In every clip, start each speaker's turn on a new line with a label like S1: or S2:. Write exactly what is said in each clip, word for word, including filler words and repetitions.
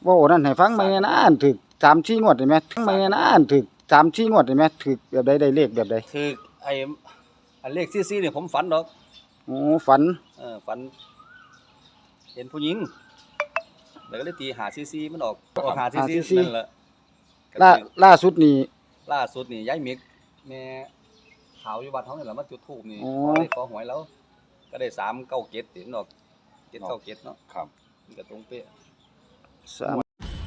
S1: ว้านั่นให้ฟังไหมนะอันถึกสาม สี่งวดได้ไหมทั้งไหมนะอันถึกสาม สี่งวดได้ไหมถึกแบบใดได้เลขแบบใด
S2: คือไอ้อันเลขซี่ๆนี่ผมฝันดอก
S1: โอ้ฝัน
S2: เออฝันเห็นผู้หญิงแล้วก็เลยตีหาซี่ๆมันออกออกหาซี่ๆนั่นแหละ
S1: ล่าล่าสุดนี่
S2: ล่าสุดนี่ยายมิกแม่ขาวอยู่วัดเฮานี่แหละมาจุดธูปนี่
S1: อ๋อ
S2: ขอเลขขอหวยแล้วก็ได้สามเก้าเจ็ดติดดอกเจ็ดเก้าเจ็ดเนาะ
S3: ครับ
S2: มันก็ตรงเป๊ะ
S1: สาม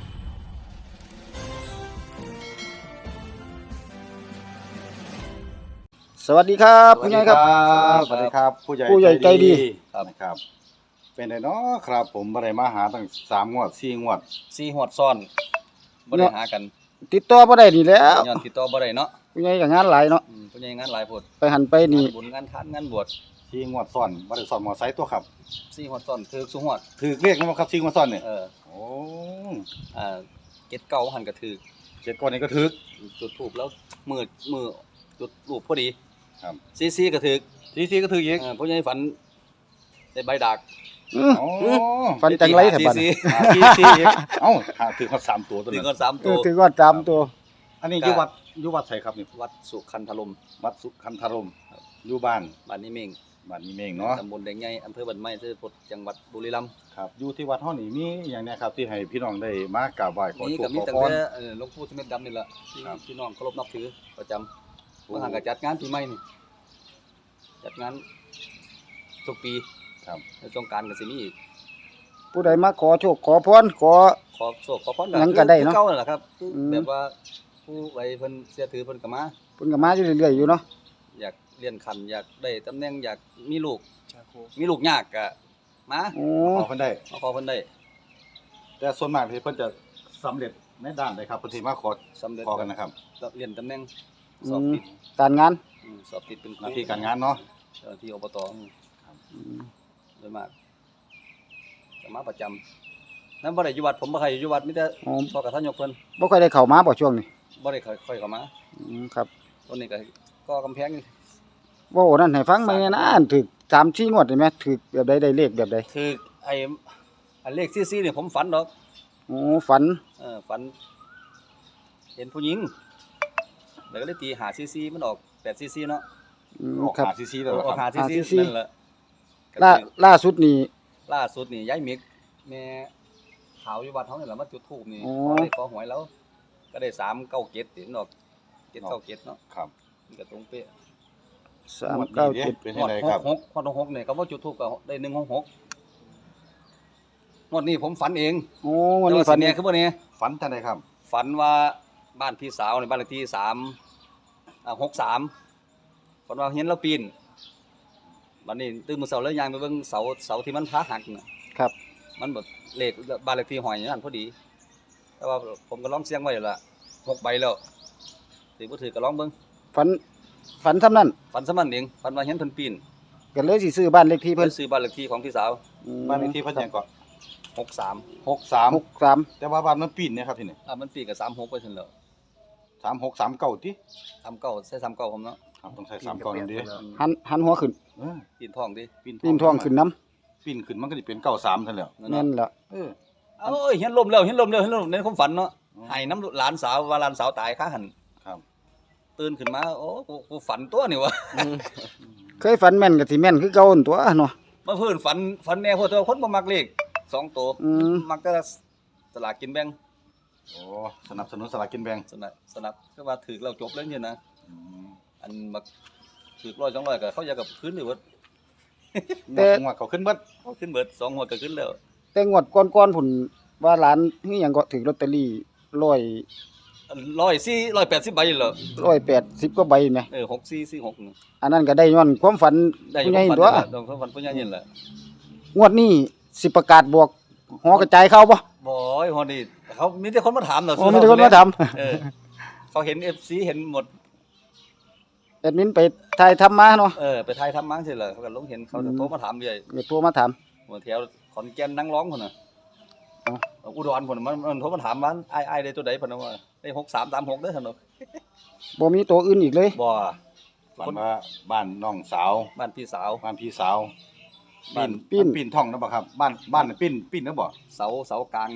S1: สวัสดีครับผู้ใหญ่ครับ
S3: สวัสดีครับผู้ใหญ่
S1: ผู้ใหญ่ใจดี
S2: ครับ
S3: นะครับเป็นไงเนาะครับผมบ่ได้มาหาตั้งสามงวดสี่งวด
S2: สี่หวดซ้อนบ่ได้หากัน
S1: ติดต่อบ่ได้นี่แหล้ว
S2: ย้อนติดต่อบ่ได้เนาะ
S1: ผู้ใหญ่ก็งานหลายเนาะ
S2: อืมผู้ใหญ่งานหลายโพด
S1: ไปหันไปนี่
S2: งานบุญงานทานงานบวช
S3: สี่งวดซ้อนบ่ได้ซ้อนมอไซค์ตัวครับ
S2: สี่หวดซ้อนถือสุหวด
S3: ถือเรียกมั้ยครับสี่งวดซ้อนเนี่ย
S2: เออ
S3: โอ้
S2: อ่าเจ็ดเก้าหันก็ถือ
S3: เจ็ดก้อนนี้ก็ถือ
S2: จุดธูปแล้วมือมือจุดรูปพอดี
S3: ครับ
S2: ซี่ๆก็ถือ
S3: สี่สี่ก็ถืออีก
S2: เออผู้ใหญ่ฝันได้ใบดาก
S1: อื้อ
S3: โอ้
S1: ฟันจังไรแถวบ้าน
S2: ซี่
S3: หาสี่สี่อีกเอ้าหาถือเขาสามตัวตัว
S2: ๆถึ
S3: นั้
S2: ง
S3: น
S2: ก็สาม
S1: เอ
S2: ตัว
S1: อถือว่าจามตัว
S3: อันนี้อยู่วัดอยู่วัดไสครับนี่
S2: วัดสุขันธารม
S3: วัดสุขันธารมอยู่บ้าน
S2: บ้านนี้เมง
S3: บ้านนี้เองเนาะ
S2: ตำบลแดงใหญ่อำเภอบ้านไม้ที่จังหวัดบุรีรัมย์
S3: ครับอยู่ที่วัดเฮานี่มีอหย่างเนี้ยครับที่ให้พี่น้องได้มากราบไหว้ขอ
S2: นี่
S3: โช
S2: ก็
S3: ค
S2: มี
S3: ขอ
S2: ตั้ง
S3: พร
S2: แต่เอ่อหลวงปู่สมเด็จดำนี่แหละที่
S3: ครับ
S2: พี่น้องเคารพนับถือประจำเมื่อหางก็จัดงานปีใหม่นี่จัดงานทุกปี
S3: ครับ
S2: ในสงกรานต์ก็สิมีอีก
S1: ผู้ใดมาขอโชคขอพรขอ
S2: ขอโชคขอพร
S1: หยังก็ได้เนาะ
S2: คือเก่านั่นแหละครับคือ
S1: อืม
S2: แบบว่าผู้ไว้เพิ่นเสียถือเพิ่นก็มา
S1: เพิ่นก็มาอยู่เรื่อยๆอยู่เนาะ
S2: อยากเรียนขันอยากได้ตำแหน่งอยากมีลูกมีลูกยากก็มา
S1: โอ้
S3: ขอเพิ่นได้
S2: มาขอเพิ่นได้
S3: แต่ส่วนมากที่เพิ่นจะสำเร็จในด้านใดครับเพิ่นสิมาขอ
S2: สำเร็จ
S3: ขอกันนะครับ
S2: เรียนตำแหน่งส
S1: อื
S2: อบ
S1: ม
S2: ติด
S1: การงาน
S2: อืมสอบติดเป็น
S3: หน้าที่การงานเนาะ
S2: เจ้าหน้าที่อบต
S1: อืม
S2: โดยมากจะมาประจำนั้นบ่ได้อยู่วัดผมบ่ใครอยู่วัดมีแต่
S1: อ๋อ
S2: พ่อกับท่านยกเพิ่น
S1: บ่ค่อยได้เข้ามาบ่ช่วงนี้
S2: บ่ได้ค่อยค่อยเข้ามา
S1: อืมครับ
S2: ต้นนี้ก็ก็กำแพงนี่
S1: เว้านั่นให้ฟังไหมนะอันถึกสาม สี่งวดได้ไหมถึกแบบใดได้เลขแบบใด
S2: คือไอ้อันเลขซี่ๆนี่ผมฝันดอก
S1: โอ้ฝัน
S2: เออฝัน เห็นผู้หญิงแล้วก็เลยตีหาซี่ๆมันออกแปดซี่ๆเนาะ
S1: อืม
S3: ออก
S1: ครับ
S3: หาซีๆแล้วเหรอ
S2: ออก
S3: ค
S2: หา
S3: รับ
S2: ซี่
S1: หาซี่
S2: ๆ
S1: ๆ
S2: นั่นแหละ
S1: ล่าล่าสุดนี่
S2: ล่าสุดนี่ยายมิกแม่ขาวอยู่วัดเฮานี่แหละมาจุดธูปนี่
S1: อ๋อ
S2: ขอเลขขอหวยแล้ว ก็ได้สามเก้าเจ็ดติดดอกเจ็ดเก้าเจ็ดเนาะ
S3: ครับ
S2: มันก็ตรงเป๊ะ
S1: สามเก้าเจ็ด
S3: เป็น
S2: ห
S3: ยัง
S2: ด
S3: ไง
S2: ห
S3: ครับ
S2: กหกหดหกเนี่ยก็ว่าจุดทูปก็ได้หนึ่งหกหกงวดนี้ผมฝันเอง
S1: โอ้วันนี้ฝัน
S2: เนี่ยคือบ่เนี่ย
S3: ฝันจังไดครับ
S2: ฝันว่าบ้านพี่สาวในบ้านเลขที่สามอ่าหกสามฝันว่าเห็นเราปีนวันนี้ตื่นมื้อเช้าแล้วยางไปเบิ่งเสาเสาที่มันพาหักน่ะ
S1: ครับ
S2: มันแบบเลขบ้านเลขที่หอยอย่างนั้นพอดี แต่ว่าผมก็ลองเสียงไว้แล้วล่ะหกใบแล้วถือบ่ถือก็ลองเบิ่ง
S1: ฝันฝันซ้ำนั้น
S2: ฝันซะมันเองฝันว่าเห็นเพิ่นปีน
S1: ก็เลยสิซื้อบ้านเลขที่
S2: เพิ่
S1: เพิ่
S2: น
S1: น
S2: ซื้อบ้านเลขที่ของพี่สาว
S1: อืม
S3: บ้านเลขที่เพิ่นหยังก่อน
S2: หกสาม
S3: หกสาม
S1: หกสาม
S3: แต่ว่าบ้านมันปีนเนี่ยครับที่นี่
S2: อ่ามันปีกับสามหกไปถึงแล้ว
S3: สามหกสามเก้าติ
S2: สามเก้าใส่สามเก้าผมเนาะ
S3: ครับต้องใช้สามเก้านั่นดิ
S1: หันหันหัวขึ้น
S3: เออ
S2: ปีนทองดิ
S3: ปีน
S1: ปีนทองขึ้นน้
S3: ปีนขึ้นมันก็สิเป็นเก้าสามซั่นแหล้ว
S1: ำนั่นล่ะ
S3: เออ
S2: เอ้ยเห็นลมแล้วเห็นลมแล้วเห็นลมในความฝันเนาะ
S3: อ๋อ
S2: ให้น้ำหลานสาวว่าหลานสาวตายค้าหัน
S3: ครับ
S2: ตื่นขึ้นมาโอ้กูกูฝันตัวนี่วะ
S1: เคยฝันแม่นก็สิแม่นคือเก่าหั่นตัวเนาะ
S2: เมื่อเพิ่นฝันฝันแน่พวกตัวคนบ่มักเลขสองตัว
S1: อืม
S2: มักแต่สลากกินแบ่ง
S3: โอ้สนับสนุนสลากกินแบ่ง
S2: สนับสนับคือว่าถือเราจบแล้วเนี่ยนะ
S3: อืม
S2: อันมักถือร้อยสองร้อยก็เขาอยากกับขึ้นหรือว่า
S1: แต่
S3: งวดเขาขึ้นเบิด
S2: เขาขึ้นเบิดสองหัวก็ขึ้นแล้ว
S1: แต่งวดก่อนๆพุ่นว่าหลานคือหยังก็ถือลอตเตอรี่ร้อย
S2: ร้อยสี่ร้อยแปดสิบใบเหรอ
S1: ร้อยแปดสิบกว่าใบแหม
S2: เออหกสี่สี่หกนี่
S1: อันนั้นก็ได้ย้อนความฝัน
S2: ได้อยู่
S1: ผู้ใหญ่
S2: ฝัน
S1: ตัว
S2: นี่แหละต้องฝันผู้ใหญ่นี่แหละ
S1: งวดนี้สิประกาศบวกหอกระจายเข้าบ่
S2: บอยฮอนี่เขามีแต่คนมาถามเนาะ
S1: โอ้มีแต่คนมาถาม
S2: เออเขาเห็น เอฟ ซี เห็นหมด
S1: แอดมินไปถ่ายทำมาเนาะ
S2: เออไปถ่ายทำมั้งสิเหรอเขาก็ลงเห็นเขาจะโทรมาถามเลย
S1: ก็โทรมาถาม
S2: หัวแถวขอนแก่นนั่งร้องคนน่ะ
S1: อ๋อ
S2: อุดรคนน่ะมันมันโทรมาถามว่าไอ้ไอ้ได้ตัวใดเพิ่นว่าได้หกสามสามหกเด้อท่านเนาะ
S1: บ่มีตัวอื่นอีกเลย
S2: บ่
S3: ฝันว่าบ้านน้องสาว
S2: บ้านพี่สาว
S3: บ้านพี่สาว
S2: บ้าน
S3: ปีนปีนท่องนะบ่ครับ บ้านบ้านน่ะปีนปีนนะบ่
S2: เสาเสากลางนะ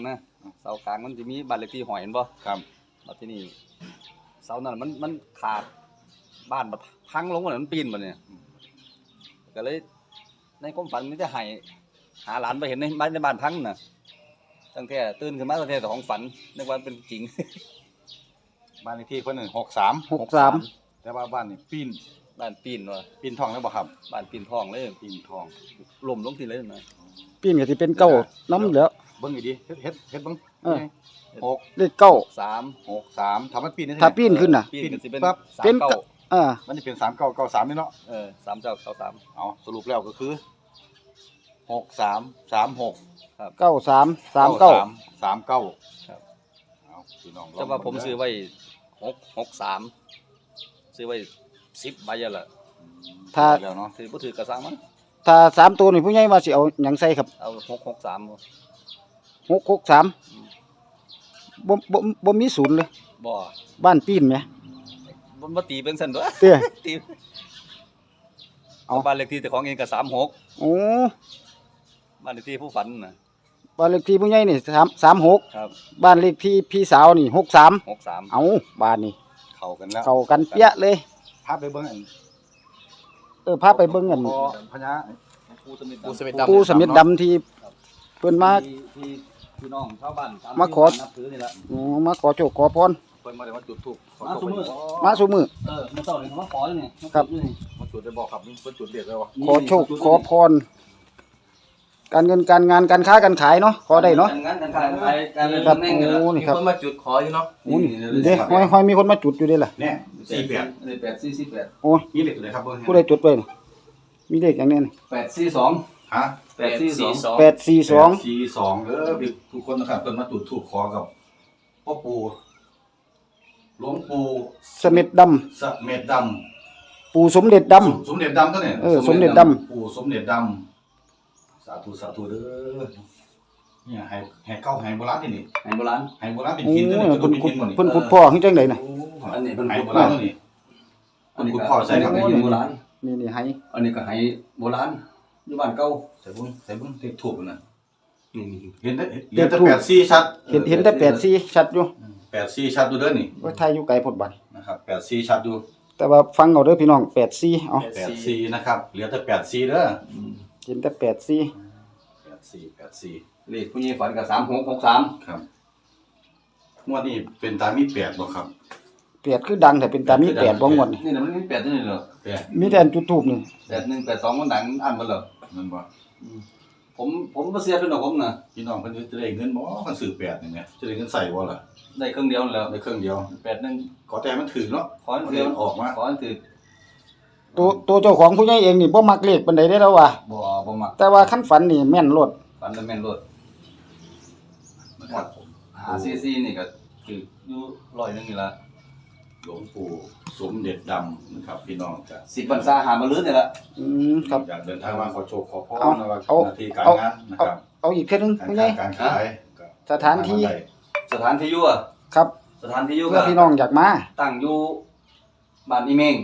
S2: เสากลางมันจะมีบ้านเลขที่หอยเห็นบ่
S3: ครับ
S2: บัดที่นี่เสานั้นมันมันขาดบ้านบัดพังลงมาเลยมันปีนบัดเนี่ยก็เลยในความฝันมันจะให้หาหลานไปเห็นในบ้านในบ้านพังน่ะตั้งแต่ตื่นขึ้นมาตั้งแต่ของฝันนึกว่าเป็นจริง
S3: บ้านเลขที่เพิ่นหกสาม
S1: หกสาม
S3: แต่ว่าบ้านนี่ปีน
S2: บ้านปีนว่ะ
S3: ปีนทองแล้วบ่ครับ
S2: บ้านปีนทองเลย
S3: ปีนทอง
S2: ล่มลงที่เลยนะ
S1: ปีนก็สิเป็นเก้าน้ำแล้ว
S3: เบิ่งอีดีเฮ็ดเฮ็ดเฮ็ดเบิ่ง
S1: เออ
S3: หก
S1: เลขเก้า
S2: สาม
S3: หกสามถ้ามันปีนได้
S1: ถ้าปีนขึ้นน่ะ
S2: ปีนก็สิเป็น
S3: ปั๊บ
S2: สา
S1: เป็
S2: ม
S1: น
S2: เก้า
S1: อ่า
S3: มันจะเป็นสามเก้าเก้าสามนี่เนาะ
S2: เออสามเจ้าเก้าสาม
S3: เอาสรุปแล้วก็คือหกสามสามหก
S1: เก้าสามสามเก้า
S3: สามเก้า
S2: ครับ
S3: เอาพี่น้องลง
S2: แต่ว่าผม
S3: เบิ่งเด้
S2: ซื้อไว้หกหกสามซื้อไว้สิบใบอะล่ะ
S1: ถ้า
S3: แล้วเนาะ
S2: ถือบ่ถือกระซังมั้ง
S1: ถ้าสามตัวนี่ผู้ใหญ่ว่าสิเอาหยังใส่ครับ
S2: เอาหกหกสามบ่
S1: หกหกสามบ่บ่บ่มีศูนย์เลย
S2: บ่
S1: บ้านปีนไหม
S2: บ่บ่ตีเป็นซั่นด้วย
S1: เตี้ย
S2: ตี
S1: เอา
S2: บ้านเลขที่แต่ของเองก็สามหก
S1: โอ้
S2: บ้านเลขที่ผู้ฝันน่ะ
S1: บ้านเลขที่ผู้ใหญ่นี่สาม สามหก
S2: ครับ
S1: บ้านเลขที่พี่สาวนี่หกสาม
S2: หกสาม
S1: เอาบ้านนี่
S3: เข้ากันแล้ว
S1: เข้ากันเปี้ยเลย
S3: พาไปเบิ่งอัน
S1: เออพาไปเบิ่งกัน
S3: พอพญา
S2: ปูสมิท
S3: ปูสมิท
S1: ปูสมิทดำที่เพิ่นมา
S2: ที่ที่พี่น้องชาวบ้านต
S1: มาขอ
S2: นับถือนี่ล่ะ
S1: อ๋อมาขอโชคขอพร
S3: เพิ่นมาได้มาจุดธูปขอ
S2: มา
S3: โชค
S2: ซุมื้อ
S1: มาสู่มือ
S2: เออมาเจ้านี่เขามาขออยู่นี่มา
S1: ครับ
S2: จุดอยู่นี่
S3: มาจุดได้บอกครับนี่เพิ่นจุดเด็ดเลยวะ
S1: ขอโชคขอพร การเงินการงานการค้าการขายเนาะขอได้เนาะ
S2: การงานการขายการขายการเงิน
S1: ครับ
S2: ตำแหน่งนี่ล่ะ
S1: โอ้นี่ครับ
S4: มีคนมาจุดขออยู่เนาะ
S1: โอ้นี่เด้ห้อยห้อยมีคนมาจุดอยู่เด้ล่ะ
S3: เนี่ยสี่แปด
S2: นี่แปดสี่สี่แปด
S1: โอ้ย
S3: มีเหล็กอยู่เลยครับเบิ่ง
S1: ผู้ใดจุดไว้นี่มีเลขอย่างนี้นี่
S2: แปดสี่สอง
S3: ฮะ
S2: แปดสี่สอง
S1: แปดสี่สอง
S3: สี่สองเด้อพี่ทุกคนนะครับเพิ่นมาจุดธูปขอกับพ่อปู่หลวงปู่
S1: สมิทดำ
S3: สะเม็ดดำ
S1: ปู่สมเด็จดำ
S3: สมเด็จดำตัวเนี่ย
S1: เออสมเด็จดำ
S3: ปู่สมเด็จดำสาธุสาธุเด้อเนี่ยให้ให้เก้าให้โบราณนี่นี่
S2: ให้โบราณ
S3: ให้โบราณเป็น
S1: โอ้
S3: หินตัวนี้
S1: ย
S3: ตัว
S1: เพิ่น
S3: นี้
S1: ขุ
S3: หิ
S1: ด
S3: นบ่นี่
S1: เพิ่นขุดพ่อขึ้นจังไดน่ะ
S2: อันนี้เป็น
S3: ให้
S2: โบ
S3: โบรา
S2: รา
S3: ณ
S2: ณ
S3: ตัวนี้
S2: อันนี้
S3: คุณ
S2: ก็
S3: พ่อใส่ครับ
S2: อันนี้โบราณ
S1: นี่นี่ให้
S2: อันนี้ก็ให้โบราณอยู่บ้านเก่า
S3: ใส่เบิ่งใส่เบิ่งเลขทูบน่ะ
S2: นี่
S3: เห็นได้เห็นแต่แปดสี่ชัด
S1: เห็นเห็นแต่แปดสี่ชัดอยู่
S3: แปดสี่ชัดอยู่เด้อนี่
S1: ว่าไทยอยู่ไกลพดบัด
S3: นะครับแปดสี่ชัดอยู่
S1: แต่ว่าฟังเอาเด้อพี่น้องแปดสี่เอา
S3: แปดสี่นะครับเหลือแต่แปดสี่เด้อ
S2: อืม
S1: เห็นแต่แปดสี่
S3: แปดสี่แปดสี่
S2: เลขผู้ใหญ่ฝันก็สามหกหกสาม
S3: ครับงวดนี้เป็นตามีแปดบ่ครับ
S1: แปดคือดังแต่เป็นตามีแปดบ่งวดนี่
S2: นี่น่ะมันมีแปดนี่เหรอ
S3: แปด
S1: มีแต่อันจุดทูบนี่
S2: แปดหนึ่งแปดสองมันดังอันหมดเหรอ
S3: นั่นบ่
S2: อืมผมผมบ่เสียเป็นดอกผมน่ะ
S3: พี่น้องเพิ่นจะได้เงินบ่คันซื้อแปดนี่แหมจะได้เงินใส่บ่ล่ะ
S2: ได้เครื่องเดียวนั่นแหล้ว
S3: ได้เครื่องเดียว
S2: แปดหนึ่ง
S3: ขอแต่มันถือเนาะ
S2: ขอให้เดียว
S3: ออกมา
S2: ขอให้ถือ
S1: ตัวตัวเจ้าของผู้ใหญ่เองนี่บ่มักเลขปานใดได้แล้วว่ะ
S2: บ่บ่มัก
S1: แต่ว่าคันฝันนี่แม่นโลด
S2: ฝันแล้วแม่นรถ
S3: นะครับผม
S2: หาซีซีนี่ก็คืออยู่ร้อยหนึงนี่ละ
S3: หลวงปู่สมเด็จดำนะครับพี่น้องจ้ะ
S2: สิบพรรษาหามาลื้อนี่ละ
S1: อืมครับ
S3: อยากเดินทางมาขอโชคขอพร
S1: เอา
S3: นะว่า
S1: เอา
S3: หน้าที่การ
S1: เอา
S3: งานนะครับ
S1: เอาอีกเทื่อนึง
S3: การ
S1: ผู้ใหญ่
S3: ค้าการขายก็
S1: สถานที่
S3: ทงได้
S2: สถานที่อยู่อะ
S1: ครับ
S2: สถานที่อยู่
S1: เพื่
S2: ก็
S1: อพี่น้องอยากมา
S2: ตั้งอยู่บ้านอีเมง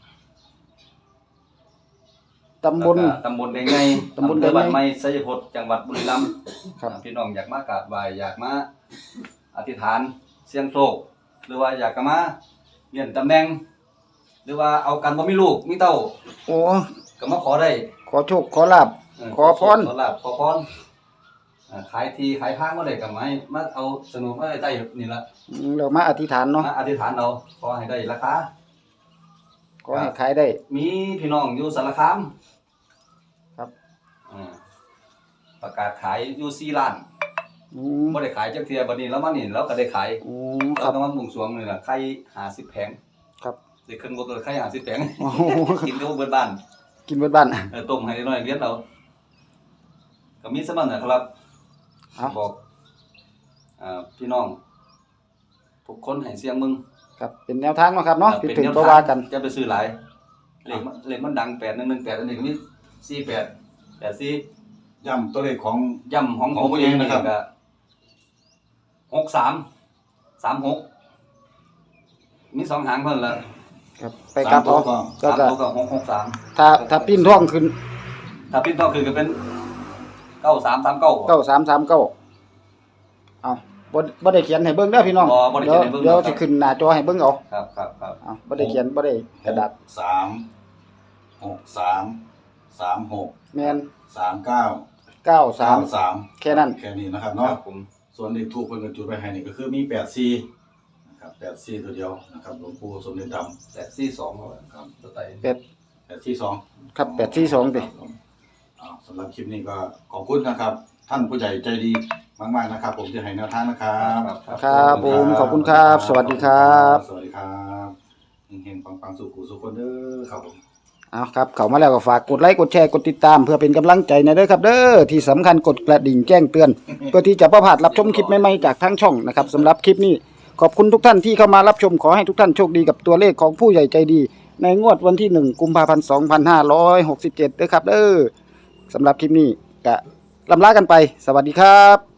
S1: ตำบล
S2: แล้วก็ตำบลแดงใหญ่
S1: ตำบลแดงใหญ่
S2: อำเภอบ้านไม้ไสยพจน์จังหวัดบุรีรัมย์
S1: ครับ
S2: พี่น้องอยากมากราบไหว้อยากมาอธิษฐานเสี่ยงโชคหรือว่าอยากจะมาเรียนตำแหน่ง หรือว่าเอากันบ่มีลูกมีเต้า
S1: โอ้
S2: ก็มาขอได้
S1: ขอโชคขอลาบ
S2: เ
S1: ขอพร
S2: ขอลาบขอพรอ่าขายทีขายทางบ่ได้ก็มาให้มาเอาสนุกมาใต้นี่ล่ะ
S1: อืมเรามาอธิษฐานเนาะ
S2: มาอธิษฐานเอาขอให้ได้ราคา
S1: ขอให้ขายได้
S2: มีพี่น้องอยู่สารคาม
S1: ครับ
S2: อ่าประกาศขายอยู่สี่ล้าน
S1: อืม
S2: บ่ได้ขายจักเที่ยบัดนี้แล้วมานี่เราก็ได้ขาย
S1: อืมค
S2: เรา
S1: รับ
S2: ก็มาบุ่งสรวงนี่ล่ะไข่ห้าสิบแผง
S1: ครับ
S2: ได้เครื่องบ่ตัวไข่ห้าสิบแผง
S1: โอ้โห
S2: กินก็บ่เบิดบ้าน
S1: กินเบิดบ้าน
S2: เออต้มให้น้อยเลี้ยงเราก็มีสมันนะครับ
S1: เอา
S2: บอกอ่าพี่น้องทุกคนให้เสียงมึง
S1: ครับเป็นแนวทางเนาะครับเนาะ
S2: ออ
S1: ผิด
S2: ป็
S1: ถึง
S2: แนว
S1: ก็
S2: ทง
S1: ว่ากัน
S2: จะไปซื้อหลายเลขมันเลขมันดังแปดหนึ่งหนึ่งแปดอันนี้ก็มีสี่แปดแปดสี่
S3: ย้ำตัวเลขของ
S2: ย่ำของ
S3: ของผู้หญิงนะครับ
S2: ก็หกสามสามหกมีสองหางเพิ่นละ
S1: ครับไปกลับเอา
S3: สามตัวก็
S1: ก็
S2: สาม
S1: จะ
S2: ตัวก็หกหกสาม
S1: ถ้าถ้าปิ้นท่องขึ้น
S2: ถ้าพิ้นต้องคือก็เป็นเก้าสามสามเก้า
S1: เก้าสามสามเก้าเอาบ่บ่ได้เขียนให้เบิ่งเด้อพี่น้อง
S2: บ่บ่ได้
S1: เดี๋
S2: เขี
S1: ย
S2: ยนให้เบิ่ง
S1: วเดี๋ยว
S2: ครับ
S1: สิขึ้นหน้าจอให้เบิ่งเอา
S2: ครับครับครับ
S1: เอาบ่ได้เขียนบ่ได้กระดาษ
S3: สามหกสามสามหก
S1: แม่น
S3: สามเก้า
S1: เก้าสาม
S3: สาม
S1: แค่นั้น
S3: แค่นี้นะครับ
S2: ค
S3: เนาะ
S2: รับผม
S3: ส่วนเลขทูปเพิ่นก็จุดไว้ให้นี่ก็คือมีแปดสี่นะครับแปดสี่ตัวเดียวนะครับหลวงปู่สมเด็จดำ
S2: แปดสี่สองครับตัวไต
S1: เป็ด
S3: แปดสี่สอง
S1: ครับแปดสี่สองติ
S3: อ่าสำหรับคลิปนี้ก็ขอบคุณนะครับ ท่านผู้ใหญ่ใจดีมากๆนะครับ ผมจะให้แนวทางนะครับ
S1: ครับผมขอบคุณครับ สวัสดีครับ
S3: สวัสดีครับเฮงๆปังๆสุขุสุขคนเด้อครับผม
S1: เอาครับเข้ามาแล้วก็ฝากกดไลค์กดแชร์กดติดตามเพื่อเป็นกำลังใจในเด้อครับเด้อที่สำคัญกดกระดิ่งแจ้งเตือน เพื่อที่จะบ่พลาดรับชมคลิปใหม่ๆจากทั้งช่องนะครับสำหรับคลิปนี้ขอบคุณทุกท่านที่เข้ามารับชมขอให้ทุกท่านโชคดีกับตัวเลขของผู้ใหญ่ใจดี ในงวดวันที่หนึ่งกุมภาพันธ์สองพันห้าร้อยหกสิบเจ็ดเด้อครับเด้อสำหรับคลิปนี้ก็ลำลากันไปสวัสดีครับ